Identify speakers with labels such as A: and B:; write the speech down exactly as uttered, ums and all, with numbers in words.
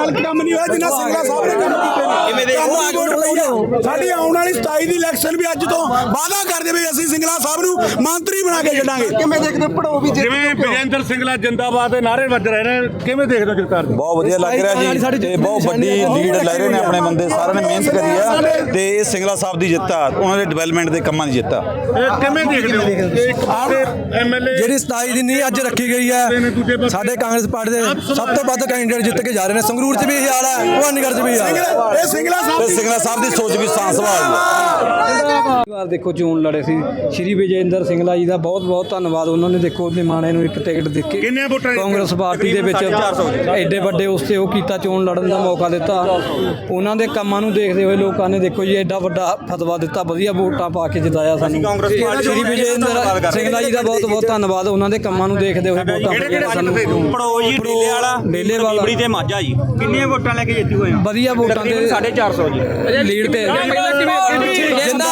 A: ਭਗਵਾਨ ਕੰਮ ਨਹੀਂ ਹੋਇਆ ਜਿੰਨਾ ਸਿੰਗਲਾ ਸਾਹਿਬ ਨੇ ਕੰਮ ਕੀਤੇ ਨੇ। ਸਾਡੀ ਆਉਣ ਵਾਲੀ ਸਤਾਈ ਦੀ ਇਲੈਕਸ਼ਨ ਵੀ ਅੱਜ ਤੋਂ ਵਾਅਦਾ ਕਰਦੇ ਵੀ ਅਸੀਂ ਸਿੰਗਲਾ ਸਾਹਿਬ ਨੂੰ ਮੰਤਰੀ ਬਣਾ ਕੇ ਛੱਡਾਂਗੇ। ਕਿਵੇਂ ਦੇਖਦੇ ਪੜੋ ਵੀ
B: ਜਿਵੇਂ ਵਿਜੇਂਦਰ ਸਿੰਗਲਾ ਜਿੰਦਾਬਾਦ ਦੇ ਨਾਰੇ ਵੱਜ ਰਹੇ ਨੇ, ਕਿਵੇਂ ਦੇਖਦੇ ਹੋ ਜਗਤਾਰ ਜੀ?
C: ਬਹੁਤ ਵਧੀਆ ਲੱਗ ਰਿਹਾ ਜੀ ਤੇ ਬਹੁਤ ਵੱਡੀ ਲੀਡ ਲੈ ਰਹੇ ਨੇ ਆਪਣੇ ਬੰਦੇ, ਸਾਰਿਆਂ ਨੇ ਮਿਹਨਤ ਕਰੀ ਆ ਤੇ ਇਹ ਸਿੰਗਲਾ ਸਾਹਿਬ ਦੀ ਜਿੱਤ ਆ, ਉਹਨਾਂ ਦੇ ਡਿਵੈਲਪਮੈਂਟ ਦੇ ਕੰਮਾਂ ਦੀ ਜਿੱਤ ਆ।
B: ਇਹ ਕਿਵੇਂ ਦੇਖਦੇ ਹੋ ਕਿ ਇੱਕ ਪਾਸੇ ਐਮਐਲਏ
D: ਜਿਹੜੀ ਸਤਾਈ ਦੀ ਨੀਂਹ ਅੱਜ ਰੱਖੀ ਗਈ ਹੈ, ਸਾਡੇ ਕਾਂਗਰਸ ਪਾਰਟੀ ਦੇ ਸਭ ਤੋਂ ਵੱਧ ਕੈਂਡੀਡੇਟ ਜਿੱਤ ਕੇ ਜਾ ਰਹੇ ਨੇ। ਸੰਗਰੂਰ 'ਚ ਵੀ ਇਹ ਹਾਲ ਹੈ, ਭਵਾਨੀਗੜ੍ਹ 'ਚ ਵੀ ਇਹ ਹਾਲ ਹੈ।
A: ਇਹ ਸਿੰਗਲਾ ਸਾਹਿਬ
C: ਤੇ ਸਿੰਗਲਾ ਸਾਹਿਬ ਦੀ ਸੋਚ ਵੀ ਸਾਂਸ ਸੰਭਾਲ
E: ਵਾਰ ਦੇਖੋ ਚੋਣ ਲੜੇ ਸੀ ਸ਼੍ਰੀ ਵਿਜੇਂਦਰ ਸਿੰਗਲਾ ਜੀ ਦਾ ਬਹੁਤ ਬਹੁਤ ਧੰਨਵਾਦ। ਉਹਨਾਂ ਨੇ ਦੇਖੋ ਨਿਮਾਣੇ ਨੂੰ ਇੱਕ ਟਿਕਟ ਦੇ ਕੇ
B: ਕਿੰਨੇ ਵੋਟਾਂ
E: ਕਾਂਗਰਸ ਪਾਰਟੀ ਦੇ ਵਿੱਚ ਐਡੇ ਵੱਡੇ ਉਸ ਤੇ ਉਹ ਕੀਤਾ, ਚੋਣ ਲੜਨ ਦਾ ਮੌਕਾ ਦਿੱਤਾ। ਉਹਨਾਂ ਦੇ ਕੰਮਾਂ ਨੂੰ ਦੇਖਦੇ ਹੋਏ ਲੋਕਾਂ ਨੇ ਦੇਖੋ ਜੀ ਐਡਾ ਵੱਡਾ ਫਤਵਾ ਦਿੱਤਾ, ਵਧੀਆ ਵੋਟਾਂ ਪਾ ਕੇ ਜਿਤਾਇਆ ਸਾਨੂੰ। ਸ਼੍ਰੀ ਵਿਜੇਂਦਰ ਸਿੰਗਲਾ ਜੀ ਦਾ ਬਹੁਤ ਬਹੁਤ ਧੰਨਵਾਦ। ਉਹਨਾਂ ਦੇ ਕੰਮਾਂ ਨੂੰ ਦੇਖਦੇ ਹੋਏ ਵੋਟਾਂ ਸਾਨੂੰ
F: ਪੜੋ ਜੀ ਡੇਲੇ ਵਾਲਾ
E: ਡੇਲੇ ਵਾਲਾ
F: ਬੜੀ ਤੇ ਮਾਝਾ ਜੀ ਕਿੰਨੀਆਂ ਵੋਟਾਂ ਲੈ ਕੇ ਜਿੱਤੀ ਹੋਏ ਆ?
E: ਵਧੀਆ ਵੋਟਾਂ ਦੇ
F: ਸਾਢੇ ਚਾਰ ਸੌ ਜੀ
E: ਲੀਡ ਤੇ